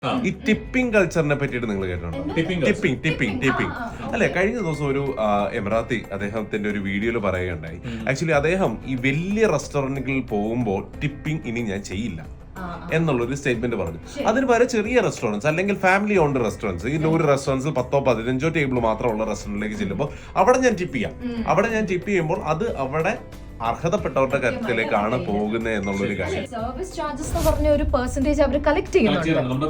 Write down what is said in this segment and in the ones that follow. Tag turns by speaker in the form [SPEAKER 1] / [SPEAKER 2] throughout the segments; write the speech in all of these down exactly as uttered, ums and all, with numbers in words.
[SPEAKER 1] ഈ ടിപ്പിംഗ് കൾച്ചറിനെ പറ്റിയിട്ട് നിങ്ങൾ കേട്ടിട്ടുണ്ടോ? ടിപ്പിംഗ് ടിപ്പിംഗ് ടിപ്പിംഗ് അല്ലെ, കഴിഞ്ഞ ദിവസം ഒരു എമിറാത്തി അദ്ദേഹത്തിന്റെ ഒരു വീഡിയോയിൽ പറയുകയുണ്ടായി. ആക്ച്വലി അദ്ദേഹം ഈ വലിയ റെസ്റ്റോറന്റുകളിൽ പോകുമ്പോൾ ടിപ്പിംഗ് ഇനി ഞാൻ ചെയ്യില്ല എന്നുള്ളൊരു സ്റ്റേറ്റ്മെന്റ് പറഞ്ഞു. അതിന് പകരം ചെറിയ റെസ്റ്റോറൻറ്റ്സ് അല്ലെങ്കിൽ ഫാമിലി ഓൺഡ് റെസ്റ്റോറൻറ്റ്സ്, ഈ നൂറ് റെസ്റ്റോറൻറ്റ്സിൽ പത്തോ പതിനഞ്ചോ ടേബിൾ മാത്രമുള്ള റെസ്റ്റോറൻറ്റിലേക്ക് ചെല്ലുമ്പോൾ അവിടെ ഞാൻ ടിപ്പ് ചെയ്യാം. അവിടെ ഞാൻ ടിപ്പ് ചെയ്യുമ്പോൾ അത് അവിടെ അർഹതപ്പെട്ടവരുടെ കാര്യത്തിലേക്കാണ് പോകുന്നത് എന്നുള്ളൊരു കാര്യം.
[SPEAKER 2] സർവീസ് ചാർജസ് എന്ന് പറഞ്ഞ ഒരു പെർസെന്റേജ് അവർ കളക്ട് ചെയ്യുന്നുണ്ട്.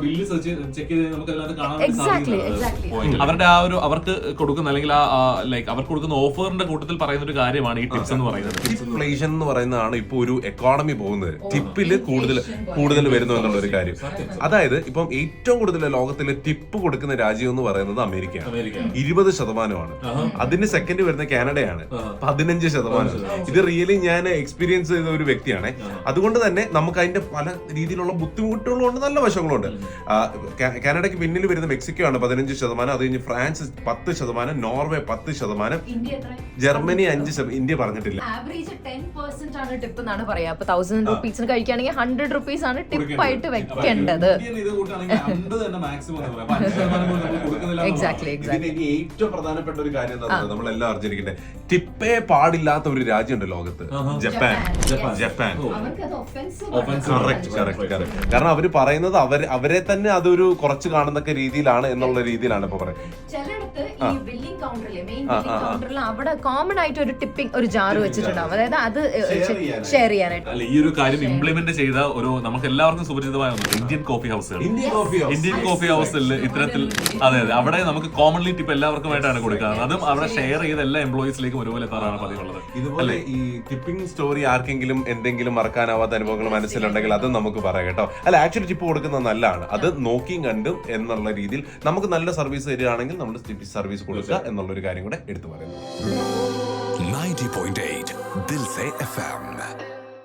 [SPEAKER 3] അവരുടെ ആ ഒരു അവർക്ക് കൊടുക്കുന്ന അല്ലെങ്കിൽ ആ ലൈക്ക് അവർക്ക് കൊടുക്കുന്ന ഓഫറിന്റെ കൂട്ടത്തിൽ പറയുന്ന ഒരു കാര്യമാണ് ഈ ടിപ്സ് എന്ന് പറയുന്നത്.
[SPEAKER 1] ഇൻഫ്ലേഷൻ എന്ന് പറയുന്നതാണ് ഇപ്പൊ ഒരു എക്കോണമി പോകുന്നത്. ടിപ്പില് കൂടുതൽ കൂടുതൽ വരുന്നു എന്നുള്ള ഒരു കാര്യം. അതായത് ഇപ്പം ഏറ്റവും കൂടുതൽ ലോകത്തില് ടിപ്പ് കൊടുക്കുന്ന രാജ്യം എന്ന് പറയുന്നത് അമേരിക്കയാണ്. ഇരുപത് ശതമാനമാണ്. അതിന് സെക്കൻഡ് വരുന്ന കാനഡയാണ്, പതിനഞ്ച് ശതമാനം. ഇത് റിയലി ഞാൻ എക്സ്പീരിയൻസ് ചെയ്ത ഒരു വ്യക്തിയാണ്. അതുകൊണ്ട് തന്നെ നമുക്ക് അതിന്റെ പല രീതിയിലുള്ള ബുദ്ധിമുട്ടുകളുണ്ട്, നല്ല വശങ്ങളുണ്ട്. കാനഡയ്ക്ക് പിന്നിൽ വരുന്ന മെക്സിക്കോ ആണ് പതിനഞ്ച് ശതമാനം, അത് കഴിഞ്ഞ് ഫ്രാൻസ് പത്ത് ശതമാനം, നോർവേ പത്ത് ശതമാനം, ജർമ്മനി അഞ്ച് ശതമാനം, ഇന്ത്യ പറഞ്ഞിട്ടില്ല.
[SPEAKER 2] ആവറേജ് ടെൻ പെർസെന്റ് ആണ് ടിപ്പ് എന്നാണ് പറയാ. അപ്പൊ തൗസൻഡ് റുപ്പീസിന് കഴിക്കുകയാണെങ്കിൽ ഹൺഡ്രഡ് റുപ്പീസ് ആണ് ടിപ്പ് ആയിട്ട് വെക്കേണ്ടത്. എക്സാക്ട്ലി എക്സാക്ട്ലി
[SPEAKER 1] ഏറ്റവും പ്രധാനപ്പെട്ട ഒരു കാര്യം എന്താ നമ്മളെല്ലാം അറിഞ്ഞിരിക്കട്ടെ, ടിപ്പേ പാടില്ലാത്ത ഒരു രാജ്യമുണ്ട് ലോകത്ത്, ജപ്പാൻ. ജപ്പാൻ കാരണം അവര് പറയുന്നത് അവർ അവരെ തന്നെ അതൊരു കുറച്ച് കാണുന്ന രീതിയിലാണ് എന്നുള്ള രീതിയിലാണ് ഇപ്പൊ പറയുന്നത്.
[SPEAKER 2] അവിടെ കോമൺ ആയിട്ട് ഒരു ടിപ്പിംഗ് ഒരു ജാർ വെച്ചിട്ടുണ്ടാവും, അതായത് അത് ഷെയർ ചെയ്യാനായിട്ട്.
[SPEAKER 3] അല്ല, ഈ ഒരു കാര്യം ഇംപ്ലിമെന്റ് ചെയ്ത ഒരു നമുക്ക് എല്ലാവർക്കും സുപരിചിതമായ ഇന്ത്യൻ കോഫി ഹൗസുകൾ. ഇന്ത്യൻ കോഫി ഹൗസിൽ ഇത്തരത്തിൽ അതെ അതെ അവിടെ നമുക്ക് കോമൺലി ടിപ്പ് എല്ലാവർക്കുമായിട്ടാണ് കൊടുക്കുന്നത്. അതും അവിടെ ഷെയർ ചെയ്ത എല്ലാ എംപ്ലോയീസിലേക്കും ഒരുപോലെ എത്താറാണ് പതിവുള്ളത്.
[SPEAKER 1] ഇതുപോലെ ഈ ടിപ്പിംഗ് സ്റ്റോറി ആർക്കെങ്കിലും എന്തെങ്കിലും മറക്കാനാവാത്ത അനുഭവങ്ങൾ മനസ്സിലുണ്ടെങ്കിൽ അത് നമുക്ക് പറയാം കേട്ടോ. അല്ല, ആക്ച്വലി ടിപ്പ് കൊടുക്കുന്നത് നല്ലതാണ്. അത് നോക്കിയും കണ്ടും എന്നുള്ള രീതിയിൽ നമുക്ക് നല്ല സർവീസ് തരികയാണെങ്കിൽ നമ്മൾ സർവീസ് കൊടുക്കുക എന്നുള്ളൊരു കാര്യം കൂടെ എടുത്തു പറയുന്നു.
[SPEAKER 4] ninety point eight Dil Se F M